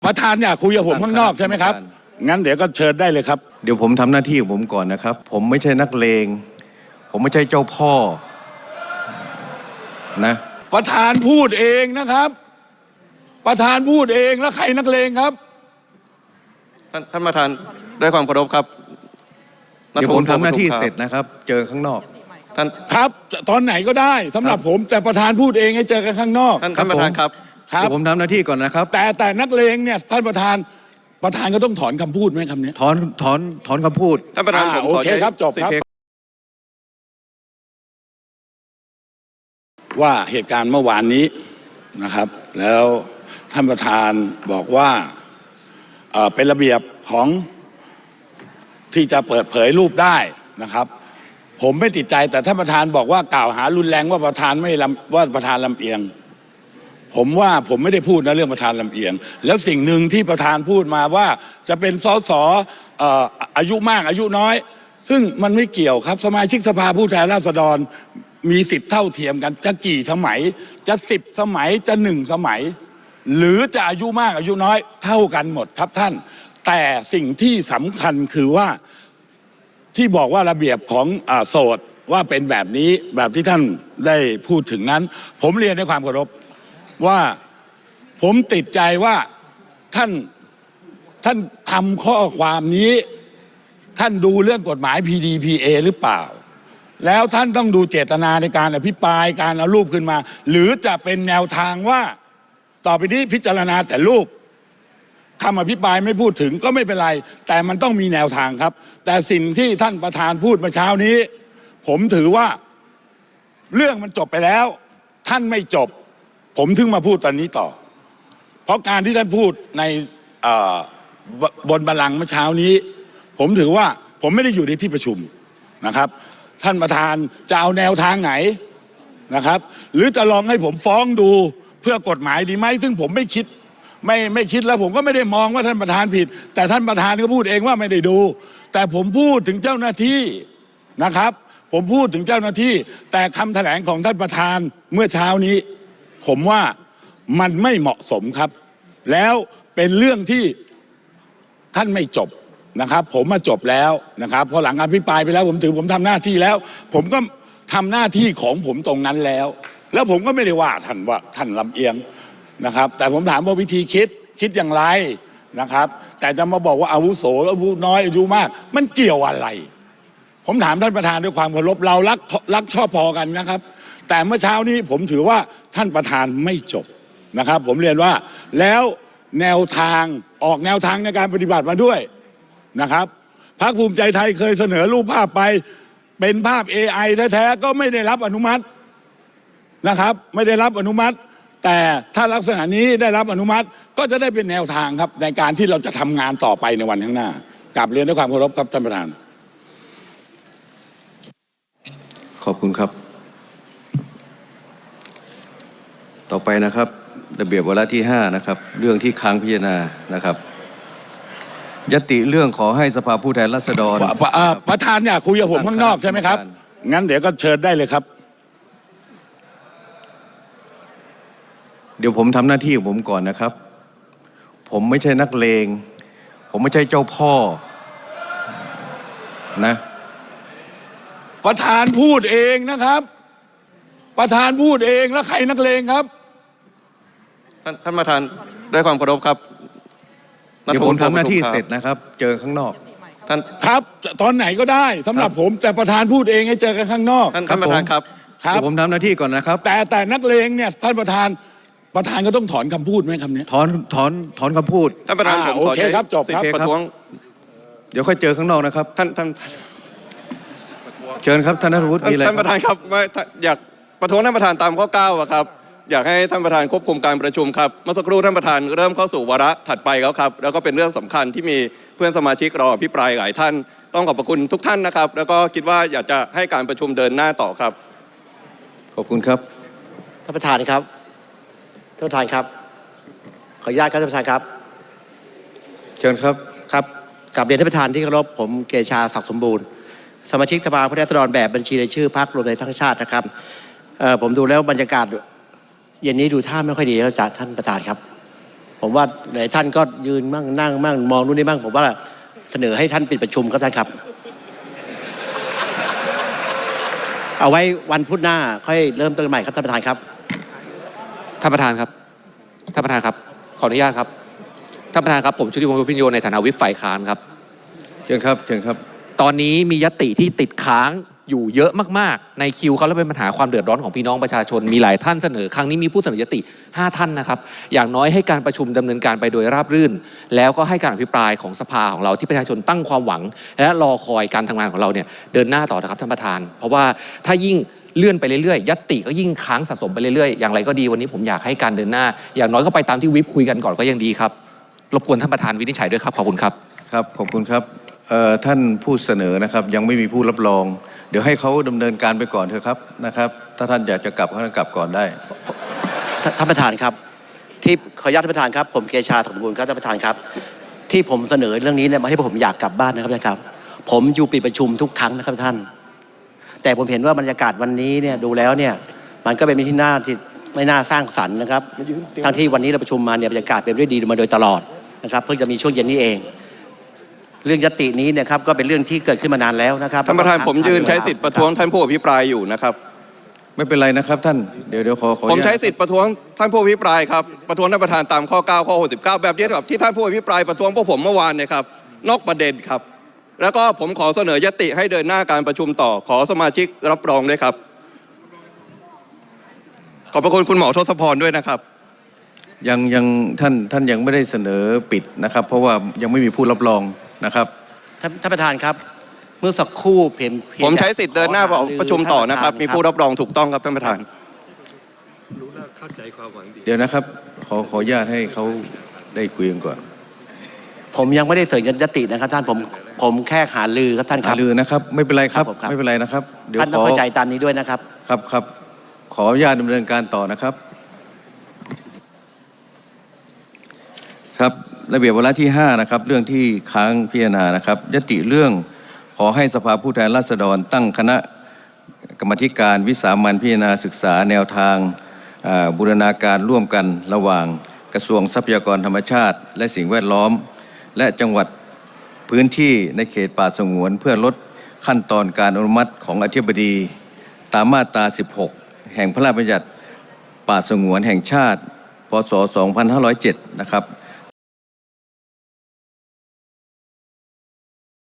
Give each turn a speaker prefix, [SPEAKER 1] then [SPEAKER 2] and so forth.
[SPEAKER 1] ประธานอยากคุยกับผมข้างนอกใช่ไหมครับงั้นเดี๋ยวก็เชิญได้เลยครับ
[SPEAKER 2] เดี๋ยวผมทำหน้าที่ของผมก่อนนะครับผมไม่ใช่นักเลงผมไม่ใช่เจ้าพ่อนะ
[SPEAKER 1] ประธานพูดเองนะครับประธานพูดเองแล้วใครนักเลงครับ
[SPEAKER 3] ท่านประธานด้วยความเคารพครับ
[SPEAKER 2] เดี๋ยวผมทำหน้าที่เสร็จนะครับเจอข้างนอก
[SPEAKER 3] ท่าน
[SPEAKER 1] ครับตอนไหนก็ได้สำหรับผมแต่ประธานพูดเองให้เจอกันข้างนอก
[SPEAKER 3] ท่านประธานครับ
[SPEAKER 2] เดี๋ยวผมทำหน้าที่ก่อนนะครับ
[SPEAKER 1] แต่นักเลงเนี่ยท่านประธานก็ต้องถอนคำพูดไหมคำนี้
[SPEAKER 2] ถอนคำพูด
[SPEAKER 3] ท่านประธาน
[SPEAKER 1] โอเคครับจบครับว่าเหตุการณ์เมื่อวานนี้นะครับแล้วท่านประธานบอกว่าเป็นระเบียบของที่จะเปิดเผยรูปได้นะครับผมไม่ติดใจแต่ท่านประธานบอกว่ากล่าวหารุนแรงว่าประธานลำเอียงผมว่าผมไม่ได้พูดนะเรื่องประธานลำเอียงแล้วสิ่งหนึ่งที่ประธานพูดมาว่าจะเป็นสสอายุมากอายุน้อยซึ่งมันไม่เกี่ยวครับสมาชิกสภาผู้แทนราษฎรมีสิทธิ์เท่าเทียมกันจะกี่สมัยจะ10 สมัยจะ1 สมัยหรือจะอายุมากอายุน้อยเท่ากันหมดครับท่านแต่สิ่งที่สำคัญคือว่าที่บอกว่าระเบียบของโสดว่าเป็นแบบนี้แบบที่ท่านได้พูดถึงนั้นผมเรียนด้วยความเคารพว่าผมติดใจว่าท่านทำข้อความนี้ท่านดูเรื่องกฎหมาย PDPA หรือเปล่าแล้วท่านต้องดูเจตนาในการอภิปรายการเอารูปขึ้นมาหรือจะเป็นแนวทางว่าต่อไปนี้พิจารณาแต่รูปคำอภิปรายไม่พูดถึงก็ไม่เป็นไรแต่มันต้องมีแนวทางครับแต่สิ่งที่ท่านประธานพูดเมื่อเช้านี้ผมถือว่าเรื่องมันจบไปแล้วท่านไม่จบผมถึงมาพูดตอนนี้ต่อเพราะการที่ท่านพูดในบนบัลลังก์เมื่อเช้านี้ผมถือว่าผมไม่ได้อยู่ในที่ประชุมนะครับท่านประธานจะเอาแนวทางไหนนะครับหรือจะลองให้ผมฟ้องดูเพื่อกฎหมายดีไหมซึ่งผมไม่คิดแล้วผมก็ไม่ได้มองว่าท่านประธานผิดแต่ท่านประธานก็พูดเองว่าไม่ได้ดูแต่ผมพูดถึงเจ้าหน้าที่นะครับผมพูดถึงเจ้าหน้าที่แต่คำแถลงของท่านประธานเมื่อเช้านี้ผมว่ามันไม่เหมาะสมครับแล้วเป็นเรื่องที่ท่านไม่จบนะครับผมมาจบแล้วนะครับพอหลังอภิปรายไปแล้วผมถือผมทำหน้าที่แล้วผมก็ทำหน้าที่ของผมตรงนั้นแล้วผมก็ไม่ได้ว่าท่านลำเอียงนะครับแต่ผมถามว่าวิธีคิดอย่างไรนะครับแต่จะมาบอกว่าอาวุโสอายุน้อยอายุมากมันเกี่ยวอะไรผมถามท่านประธานด้วยความเคารพเรารักชอบพอกันนะครับแต่เมื่อเช้านี้ผมถือว่าท่านประธานไม่จบนะครับผมเรียนว่าแล้วแนวทางออกแนวทางในการปฏิบัติมาด้วยนะครับพรรคภูมิใจไทยเคยเสนอรูปภาพไปเป็นภาพ AI แท้ๆก็ไม่ได้รับอนุมัตินะครับไม่ได้รับอนุมัติแต่ถ้าลักษณะนี้ได้รับอนุมัติก็จะได้เป็นแนวทางครับในการที่เราจะทำงานต่อไปในวันข้างหน้ากราบเรียนด้วยความเคารพครับท่านประธาน
[SPEAKER 2] ขอบคุณครับต่อไปนะครับระเบียบวาระที่5นะครับเรื่องที่ค้างพิจารณานะครับยติเรื่องขอให้สภาผู้แทนราษฎร
[SPEAKER 1] ประธานอยากคุยกับผมข้างนอกใช่ไหมครับงั้นเดี๋ยวก็เชิญได้เลยครับ
[SPEAKER 2] เดี๋ยวผมทำหน้าที่ของผมก่อนนะครับผมไม่ใช่นักเลงผมไม่ใช่เจ้าพ่อนะ
[SPEAKER 1] ประธานพูดเองนะครับประธานพูดเองแล้วใครนักเลงครับ
[SPEAKER 3] ท่านประธานด้วยความเคารพครับ
[SPEAKER 2] เดี๋ยวผมทำหน้าที่เสร็จนะครับเจอข้างนอก
[SPEAKER 3] ท่าน
[SPEAKER 1] ครับตอนไหนก็ได้สำหรับผมแต่ประธานพูดเองให้เจอกันข้างนอก
[SPEAKER 3] ท่านประธานครับ
[SPEAKER 2] เดี๋ยวผมทำหน้าที่ก่อนนะครับ
[SPEAKER 1] แต่นักเลงเนี่ยท่านประธานก็ต้องถอนคำพูดไหมคำนี้
[SPEAKER 2] ถอนคำพูด
[SPEAKER 3] ท่านประธานผม
[SPEAKER 1] โอเคครับจบครับ
[SPEAKER 3] ประท้วง
[SPEAKER 2] เดี๋ยวค่อยเจอข้างนอกนะครับ
[SPEAKER 3] ท่าน
[SPEAKER 2] เชิญครับท่านนัทวุฒิมีอะไร
[SPEAKER 3] ท่านประธานครับอยากประท้วงท่านประธานตามข้อ9ครับอยากให้ท่านประธานควบคุมการประชุมครับเมื่อสักครู่ท่านประธานเริ่มเข้าสู่วาระถัดไปแล้วครับแล้วก็เป็นเรื่องสำคัญที่มีเพื่อนสมาชิกรออภิปรายหลายท่านต้องขอบพระคุณทุกท่านนะครับแล้วก็คิดว่าอยากจะให้การประชุมเดินหน้าต่อครับ
[SPEAKER 2] ขอบคุณครับ
[SPEAKER 4] ท่านประธานครับท่านประธานครับขออนุญาตครับท่านประธานครับ
[SPEAKER 2] เชิญครับ
[SPEAKER 4] ครับกราบเรียนท่านประธานที่เคารพผมเกชาศักดิ์สมบูรณ์สมาชิกสภาผู้แทนราษฎรแบบบัญชีรายชื่อพรรครวมไทยสร้างชาตินะครับผมดูแล้วบรรยากาศเย็นนี้ดูท่าไม่ค่อยดีแล้วจากท่านประธานครับผมว่าหลายท่านก็ยืนมั่งนั่งมั่งมองนู่นนี่มั่งผมว่าเสนอให้ท่านปิดประชุมครับท่านครับ เอาไว้วันพุธหน้าค่อยเริ่มต้นใหม่ครับท่านประธานครับ
[SPEAKER 5] ท่านประธานครับ ท่านประธานครับ ขออนุญาตครับ ท่านประธานครับ ผมชุติวงศ์พิพิญโยในฐานะวิปฝ่ายค้านครับ
[SPEAKER 2] เชิญครับเชิญครับ
[SPEAKER 5] ตอนนี้มียติที่ติดค้างอยู่เยอะมากๆ ในคิวเขาแล้วเป็นปัญหาความเดือดร้อนของพี่น้องประชาชน มีหลายท่านเสนอ ครั้งนี้มีผู้เสนอยติ 5 ท่านนะครับ อย่างน้อยให้การประชุมดำเนินการไปโดยราบรื่น แล้วก็ให้การอภิปรายของสภาของเราที่ประชาชนตั้งความหวัง และรอคอยการทำงานของเราเนี่ยเดินหน้าต่อนะครับท่านประธาน เพราะว่าถ้ายิ่งเลื่อนไปเรื่อยๆยติก็ยิ่งค้างสะสมไปเรื่อยๆอย่างไรก็ดีวันนี้ผมอยากให้การเดินหน้า อย่างน้อยก็ไปตามที่วิปคุยกันก่อนก็ยังดีครับรบกวนท่านประธานวินิจฉัยด้วยครับขอบคุณครับ
[SPEAKER 2] ครับขอบคุณครับท่านผู้เสนอนะครับยังไม่มีผู้รับรอง เดี๋ยวให้เขาดำเนินการไปก่อนเถอะครับนะครับถ้าท่านอยากจะกลับท่านกลับก่อนได้
[SPEAKER 4] ท่านประธานครับที่ขออนุญาตท่านประธานครับผมเกชาสังบูรณ์ครับท่านประธานครับที่ผมเสนอเรื่องนี้เนี่ยมาที่ผมอยากกลับบ้านนะครับท่านครับผมอยู่ปิดประชุมทุกครั้งนะครับท่านแต่ผมเห็นว่าบรรยากาศวันนี้เนี่ยดูแล้วเนี่ยมันก็เป็นที่น่าที่ไม่น่าสร้างสรรค์นะครับทั้งที่วันนี้เราประชุมมาเนี่ยบรรยากาศเป็นด้วยดีมาโดยตลอดนะครับเพิ่งจะมีช่วงเย็นนี้เองเรื่องยตินี้เนี่ยครับก็เป็นเรื่องที่เกิดขึ้นมานานแล้วนะครับ
[SPEAKER 3] ท่านประธานผมยืนใช้สิทธิ์ประท้วงท่านผู้อภิปรายอยู่นะครับ
[SPEAKER 2] ไม่เป็นไรนะครับท่านเดี๋ยวขอ
[SPEAKER 3] ผมใช้สิทธิ์ประท้วงท่านผู้อภิปรายครับประท้วงท่านประธานตามข้อ 9 ข้อ 69 แบบเดียวกับที่ท่านผู้อภิปรายประท้วงพวกผมเมื่อวานเนี่ยครับนอกประเด็นครับ แล้วก็ผมขอเสนอยติให้เดินหน้าการประชุมต่อขอสมาชิกรับรองด้วยครับขอบพระคุณคุณหมอทศพรด้วยนะครับ
[SPEAKER 2] ยังท่านยังไม่ได้เสนอปิดนะครับ เพราะว่ายังไม่มีผู้รับรองนะครับ
[SPEAKER 4] ท่านประธานครับเมื่อสักครู่
[SPEAKER 3] ผมใช้สิทธิ์เดินหน้าประชุมต่อนะครับมีผู้รับรองถูกต้องครับท่านประธาน
[SPEAKER 2] เดี๋ยวนะครับขออนุญาตให้เขาได้คุยกันก่อน
[SPEAKER 4] ผมยังไม่ได้เสนอยตินะครับท่านผมแค่หาลือครับท่านค
[SPEAKER 2] หา
[SPEAKER 4] รับ
[SPEAKER 2] ลือนะครับไม่เป็นไรครับ
[SPEAKER 4] ครับผมครับ
[SPEAKER 2] ไม่เป็นไรนะครับเดี๋ยว
[SPEAKER 4] ท่านต้องเข้าใจตามนี้ด้วยนะครับ
[SPEAKER 2] ครับขออนุญาตดำเนินการต่อนะครับครับระเบียบวาระที่5นะครับเรื่องที่ค้างพิจารณานะครับยติเรื่องขอให้สภาผู้แทนราษฎรตั้งคณะกรรมการวิสามัญพิจารณาศึกษาแนวทางบูรณาการร่วมกันระหว่างกระทรวงทรัพยากรธรรมชาติและสิ่งแวดล้อมและจังหวัดพื้นที่ในเขตป่าสงวนเพื่อลดขั้นตอนการอนุมัติของอธิบดีตามมาตรา 16 แห่งพระราชบัญญัติป่าสงวนแห่งชาติ พ.ศ. 2507 นะครับ